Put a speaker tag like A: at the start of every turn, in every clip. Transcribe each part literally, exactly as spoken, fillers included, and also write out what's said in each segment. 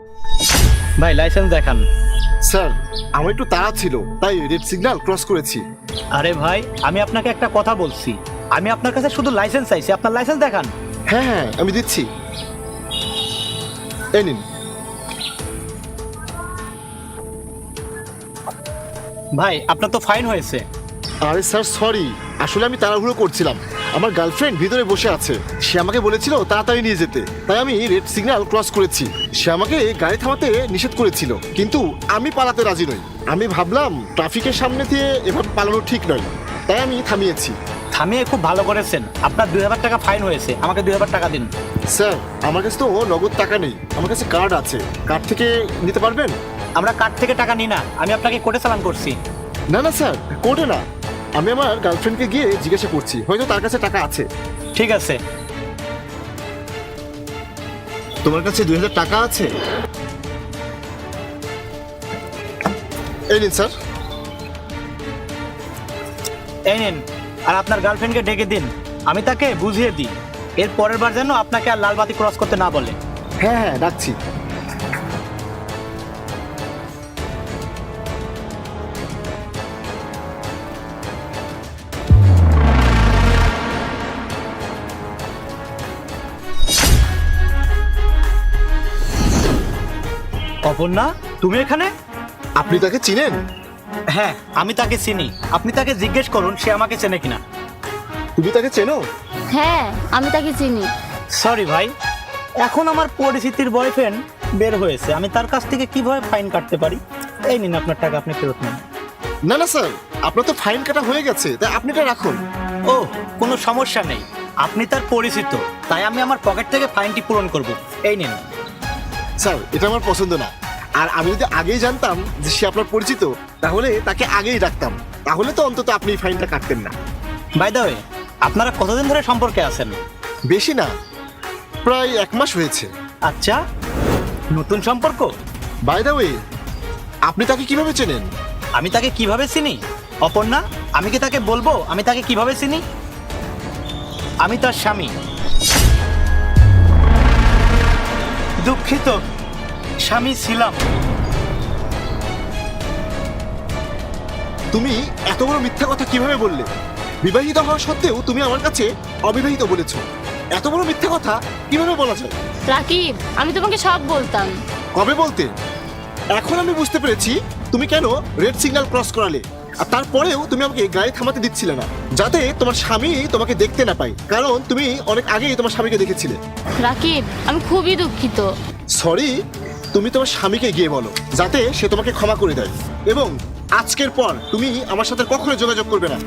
A: ভাই লাইসেন্স দেখান।
B: স্যার আমার একটু তাড়া ছিল তাই রেড সিগন্যাল ক্রস করেছি।
A: আরে ভাই আমি আপনাকে একটা কথা বলছি, আমি আপনার কাছে শুধু লাইসেন্স চাইছি, আপনার লাইসেন্স দেখান।
B: হ্যাঁ হ্যাঁ আমি দিচ্ছি, এই নিন।
A: ভাই আপনার তো ফাইন হয়েছে।
B: আরে স্যার সরি, আসলে আমি তাড়াহুড়ো করছিলাম। আমার গার্লফ্রেন্ড ভিতরে বসে আছে, সে আমাকে বলেছিল তাড়াতাড়ি নিয়ে যেতে, তাই আমি রেড সিগন্যাল ক্রস করেছি। সে আমাকে গাড়ি থামাতে নিষেধ করেছিল, কিন্তু আমি পালাতে রাজি নই। আমি ভাবলাম ট্রাফিকের সামনে দিয়ে এভাবে পালানো ঠিক নয়, তাই আমি থামিয়েছি।
A: থামিয়ে খুব ভালো করেছেন, আপনার দুই হাজার টাকা ফাইন হয়েছে, আমাকে দুই হাজার টাকা দিন।
B: স্যার আমার কাছে তো নগদ টাকা নেই, আমার কাছে কার্ড আছে, কার্ড থেকে নিতে পারবেন?
A: আমরা কার্ড থেকে টাকা নিই না, আমি আপনাকে কোর্টে চালান করছি।
B: না না স্যার, কোর্টে না, আমি আমার গার্লফ্রেন্ডকে গিয়ে জিজ্ঞাসা করছি, হয়তো তার কাছে টাকা আছে।
A: ঠিক আছে।
B: তোমার কাছে দুই হাজার টাকা আছে? এই নিন স্যার।
A: এই নিন, আর আপনার গার্লফ্রেন্ডকে ডেকে দিন, আমি তাকে বুঝিয়ে দিই, এর পরের বার যেন আপনাকে আর লালবাতি ক্রস করতে না বলে।
B: হ্যাঁ হ্যাঁ রাখছি।
A: অপর্ণা, তুমি এখানে?
B: আপনি তাকে চিনেন?
A: হ্যাঁ আমি তাকে চিনি, আপনি তাকে জিজ্ঞেস করুন সে আমাকে চেনে কিনা।
B: তুমি তাকে চেনো?
C: হ্যাঁ আমি তাকে চিনি।
A: সরি ভাই, এখন আমার পরিচিতির বয়ফ্রেন্ড বের হয়েছে, আমি তার কাছ থেকে কিভাবে ফাইন কাটতে পারি। এই নিন আপনার টাকা, আপনি ফেরত নিন।
B: না না স্যার, আপনার তো ফাইন কাটা হয়ে গেছে, তাই আপনি এটা রাখুন।
A: ও কোনো সমস্যা নেই, আপনি তার পরিচিত, তাই আমি আমার পকেট থেকে ফাইনটি পূরণ করব। এই নিন।
B: স্যার এটা আমার পছন্দ না, আর আমি যদি আগেই জানতাম যে সে আপনার পরিচিত, তাহলে তাকে আগেই রাখতাম, তাহলে তো অন্তত আপনি ফাইনটা কাটতেন না।
A: বাই দ্য ওয়ে, আপনারা কতদিন ধরে সম্পর্কে আছেন?
B: বেশি না, প্রায় এক মাস হয়েছে।
A: আচ্ছা, নতুন সম্পর্ক?
B: বাই দ্য ওয়ে, আপনি তাকে কিভাবে চেনেন?
A: আমি তাকে কিভাবে চিনি? অপর্ণা, আমি কি তাকে বলবো আমি তাকে কিভাবে চিনি? আমি তার স্বামী। দুঃখিত, স্বামী ছিলাম।
B: তুমি এত বড় মিথ্যা কথা কিভাবে বললে? বিবাহিত হওয়া সত্ত্বেও তুমি আমার কাছে অবিবাহিত বলেছো, এত বড় মিথ্যা কথা কিভাবে বলা যায়?
C: রাকিব, আমি তোমাকে সব বলতাম।
B: কবে বলতে? এখন আমি বুঝতে পেরেছি তুমি কেন রেড সিগন্যাল ক্রস করালে, আর তারপরেও তুমি আমাকে গাড়ি থামাতে দিচ্ছিলে না, যাতে তোমার স্বামী তোমাকে দেখতে না পায়, কারণ তুমি অনেক আগেই তোমার স্বামীকে দেখেছিলে।
C: রাকিব, আমি খুবই দুঃখিত।
B: সরি, তুমি তোমার স্বামীকে গিয়ে বলো যাতে সে তোমাকে ক্ষমা করে দেয়, এবং আজকের পর তুমি আমার সাথে কখনো যোগাযোগ করবে না।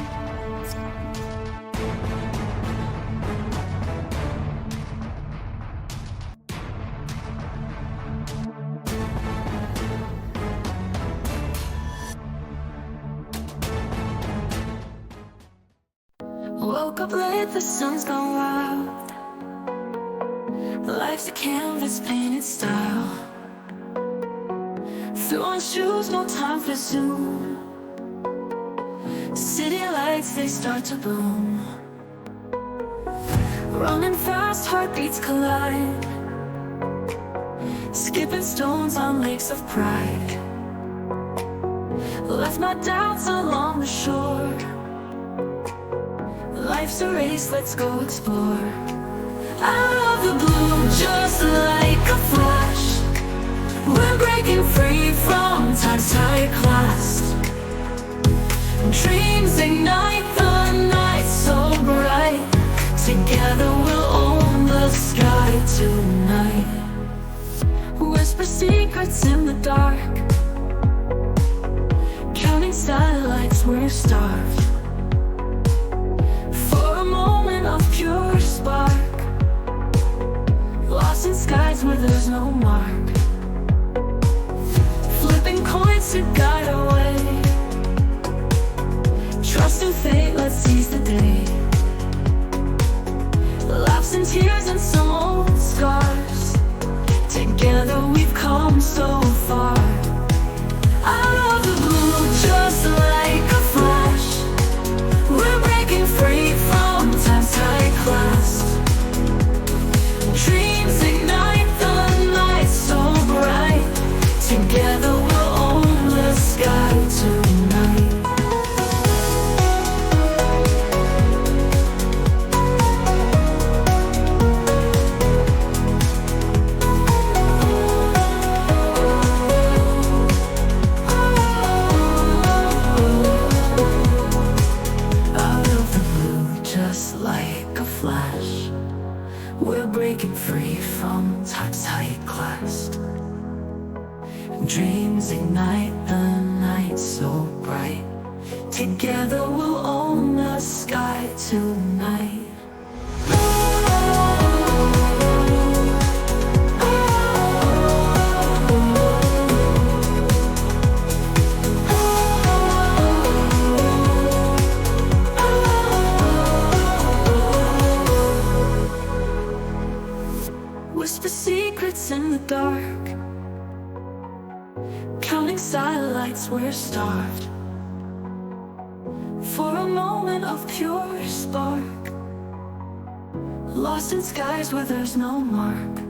D: Woke up late, the sun's gone wild. Life's a canvas painted style. Threw on shoes, no time for Zoom. City lights, they start to bloom. Running fast, heartbeats collide. Skipping stones on lakes of pride. Left my doubts along the shore. Life's a race, let's go explore. Out of the blue, just like a flash, we're breaking free from time's tight clasp. Dreams ignite the night so bright. Together we'll own the sky tonight. Whisper secrets in the dark, counting satellites, we're starved. Of pure spark, lost in skies where there's no mark. Flipping coins to guide our way. Trust in fate, let's seize the day. Laughs and tears and some old scars. Together we've come so far. Out of the blue, just like a flash, we're breaking free from time's tight clasp. Dreams ignite the night so bright. tight clasped. Dreams ignite the night so bright. Together we'll own the sky tonight. Whisper secrets in the dark. Counting satellites, we're starved for a moment of pure spark. Lost in skies where there's no mark.